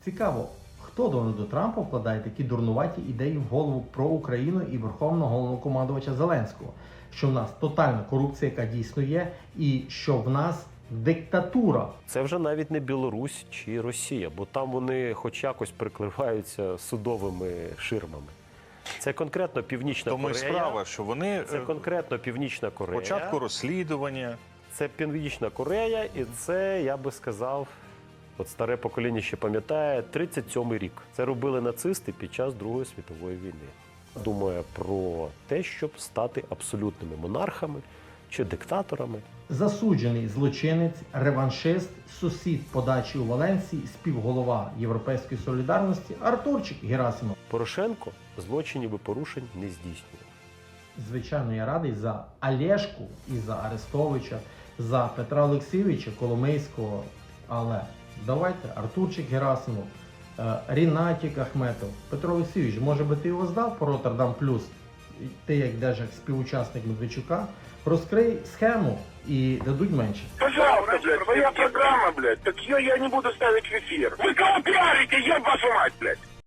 Цікаво, хто Дональду Трампу вкладає такі дурнуваті ідеї в голову про Україну і Верховного Головнокомандувача Зеленського, що в нас тотальна корупція, яка дійсно є, і що в нас диктатура. Це вже навіть не Білорусь чи Росія, бо там вони хоч якось прикриваються судовими ширмами. Це конкретно Північна Тому і Корея. справа, що вони Це конкретно Північна Корея. початку розслідування. Це Північна Корея, і це, я би сказав, от старе покоління ще пам'ятає, 37-й рік. Це робили нацисти під час Другої світової війни. Думає про те, щоб стати абсолютними монархами чи диктаторами. Засуджений злочинець, реваншист, сусід по дачі у Валенсії, співголова Європейської солідарності Артурчик Герасимов. Порошенко злочинів і порушень не здійснює. Звичайно, я радий за Олешку і за Арестовича, за Петра Олексійовича Коломийського, але давайте Артурчик Герасимов, Рінатік Ахметов, Петро Олексійович, може би ти його здав по Роттердам Плюс? Ти як держак співучасник Медведчука, розкрий схему і дадуть менше. Пожалуйста, блядь, твоя программа, блядь, так ее я не буду ставить в эфир. Вы кого пиарите, еб вашу мать, блядь?